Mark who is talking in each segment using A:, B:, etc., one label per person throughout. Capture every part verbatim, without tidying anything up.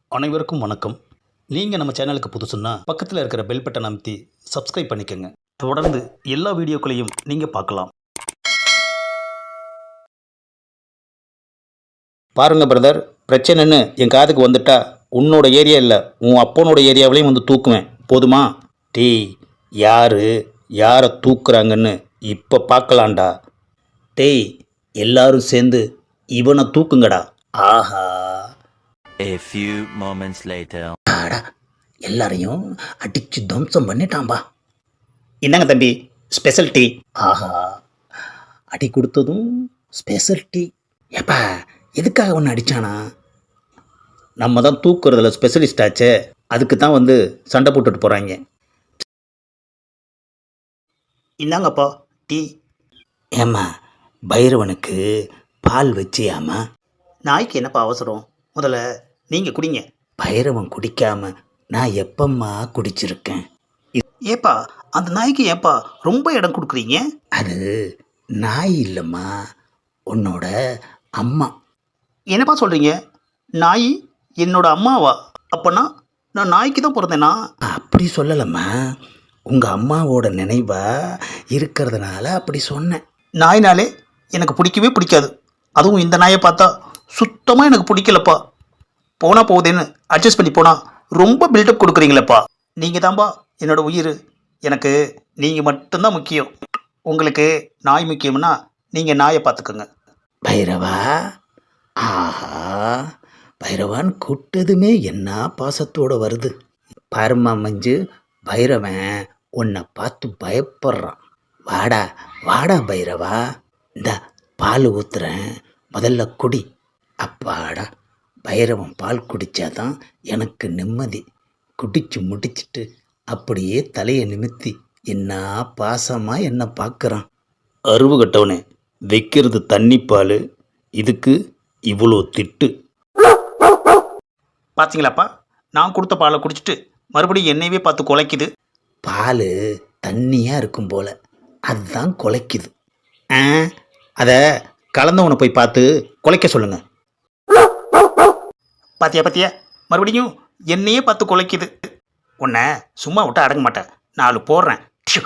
A: அனைவருக்கும் வணக்கம். நீங்கள் நம்ம சேனலுக்கு புதுசுன்னா பக்கத்தில் இருக்கிற பெல் பட்டன் அமைத்தி சப்ஸ்கிரைப் பண்ணிக்கோங்க. தொடர்ந்து எல்லா வீடியோக்களையும் நீங்கள் பார்க்கலாம். பாருங்க பிரதர், பிரச்சனைன்னு என் காதுக்கு வந்துட்டா உன்னோட ஏரியா இல்லை, உன் அப்பனோட ஏரியாவிலையும் வந்து தூக்குவேன். போதுமா? டீ யார் யாரை தூக்குறாங்கன்னு இப்போ பார்க்கலாம்டா. டேய், எல்லாரும் சேர்ந்து இவனை தூக்குங்கடா. ஆஹா,
B: A few moments later.
A: ஆடா, எல்லாரையும் அடிச்சு துவம்சம் பண்ணிட்டான்பா. என்னங்க தம்பி, ஸ்பெஷல் டீ. ஆஹா, அடி கொடுத்ததும் ஸ்பெஷல் டீ. ஏப்பா, எதுக்காக ஒன்று அடித்தானா? நம்ம தான் தூக்குறதுல ஸ்பெஷலிஸ்ட் ஆச்சே, அதுக்கு தான் வந்து சண்டை போட்டுட்டு போகிறாங்க. இந்தாங்கப்பா டீ. ஏம்மா, பைரவனுக்கு பால் வச்சியாமா? நாய்க்கு என்னப்பா அவசரம், முதல்ல நீங்கள் குடிங்க. பைரவன் குடிக்காம நான் எப்பம்மா குடிச்சிருக்கேன்? ஏப்பா, அந்த நாய்க்கு ஏப்பா ரொம்ப இடம் கொடுக்குறீங்க? அது நாய் இல்லைம்மா, உன்னோட அம்மா. என்னப்பா சொல்கிறீங்க? நாய் என்னோட அம்மாவா? அப்போனா நான் நாய்க்கு தான் பிறந்தேனா? அப்படி சொல்லலம்மா, உங்கள் அம்மாவோட நினைவாக இருக்கிறதுனால அப்படி சொன்னேன். நாய்னாலே எனக்கு பிடிக்கவே பிடிக்காது. அதுவும் இந்த நாயை பார்த்தா சுத்தமாக எனக்கு பிடிக்கலப்பா. போனால் போகுதுன்னு அட்ஜஸ்ட் பண்ணி போனால் ரொம்ப பில்டப் கொடுக்குறீங்களப்பா. நீங்கள் தான்பா என்னோட உயிர். எனக்கு நீங்கள் மட்டும்தான் முக்கியம். உங்களுக்கு நாய் முக்கியம்னா நீங்கள் நாயை பார்த்துக்கோங்க. பைரவா, ஆஹா, பைரவான் கூட்டதுமே என்ன பாசத்தோடு வருது. பாருமா மஞ்சு, பைரவன் உன்னை பார்த்து பயப்படுறான். வாடா வாடா பைரவா, இந்த பால் ஊற்றுறேன், முதல்ல குடி. அப்பாடா, பைரவன் பால் குடித்தாதான் எனக்கு நிம்மதி. குடிச்சு முடிச்சிட்டு அப்படியே தலையை நிமித்தி என்ன பாசமாக என்ன பார்க்குறான். அருவு கட்டவனே, வைக்கிறது தண்ணி பால், இதுக்கு இவ்வளோ திட்டு. பார்த்தீங்களாப்பா, நான் கொடுத்த பாலை குடிச்சிட்டு மறுபடியும் என்னையவே பார்த்து குலைக்குது. பால் தண்ணியாக இருக்கும் போல், அதுதான் குலைக்குது. ஆ, அதை கலந்தவனை போய் பார்த்து குலைக்க சொல்லுங்கள். பாத்தியா பாத்தியா, மறுபடியும் என்னையே பார்த்து குலைக்குது. உன்னை சும்மா விட்டு அடங்க மாட்டேன், நாலு போடுறேன்.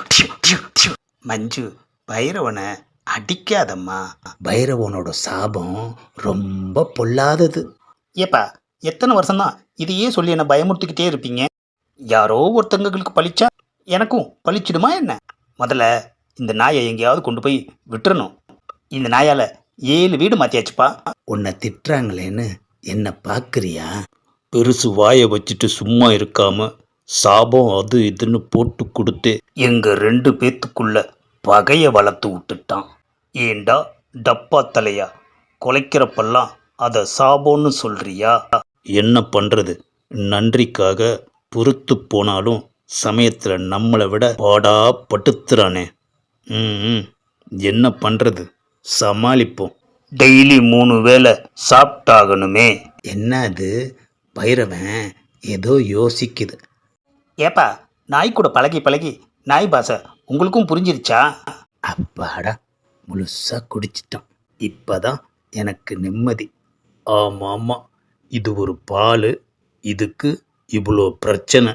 A: மஞ்சு, பைரவனை அடிக்காதம்மா. பைரவனோட சாபம் ரொம்ப பொல்லாதது. ஏப்பா, எத்தனை வருஷம்தான் இதையே சொல்லி என்னை பயமுறுத்திக்கிட்டே இருப்பீங்க? யாரோ ஒருத்தங்களுக்கு பழிச்சா எனக்கும் பழிச்சிடுமா என்ன? முதல்ல இந்த நாயை எங்கேயாவது கொண்டு போய் விட்டுறணும். இந்த நாயால் ஏழு வீடு மாற்றியாச்சுப்பா. உன்னை திட்டுறாங்களேன்னு என்ன பார்க்குறியா? பெருசு வாயை வச்சுட்டு சும்மா இருக்காம சாபம் அது இதுன்னு போட்டு கொடுத்து எங்கள் ரெண்டு பேத்துக்குள்ள பகையை வளர்த்து விட்டுட்டான். ஏண்டா டப்பா தலையா, குலைக்கிறப்பெல்லாம் அதை சாபம்னு சொல்கிறியா? என்ன பண்ணுறது, நன்றிக்காக பொறுத்து போனாலும் சமயத்தில் நம்மளை விட பாடா பட்டுத்துறானே. ம், என்ன பண்ணுறது, சமாளிப்போம். டெய்லி மூணு வேளை சாப்பிட்டாகணுமே. என்ன அது, பைரவன் ஏதோ யோசிக்குது. ஏப்பா, நாய் கூட பழகி பழகி நாய் பாசை உங்களுக்கும் புரிஞ்சிருச்சா? அப்பாடா, முழுசாக குடிச்சிட்டான். இப்போதான் எனக்கு நிம்மதி. ஆமாம் ஆமாம், இது ஒரு பால், இதுக்கு இவ்வளோ பிரச்சனை.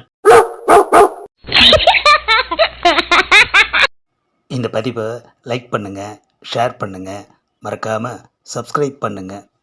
A: இந்த பதிவை லைக் பண்ணுங்கள், ஷேர் பண்ணுங்கள், மறக்காமல் சப்ஸ்கிரைப் பண்ணுங்கள்.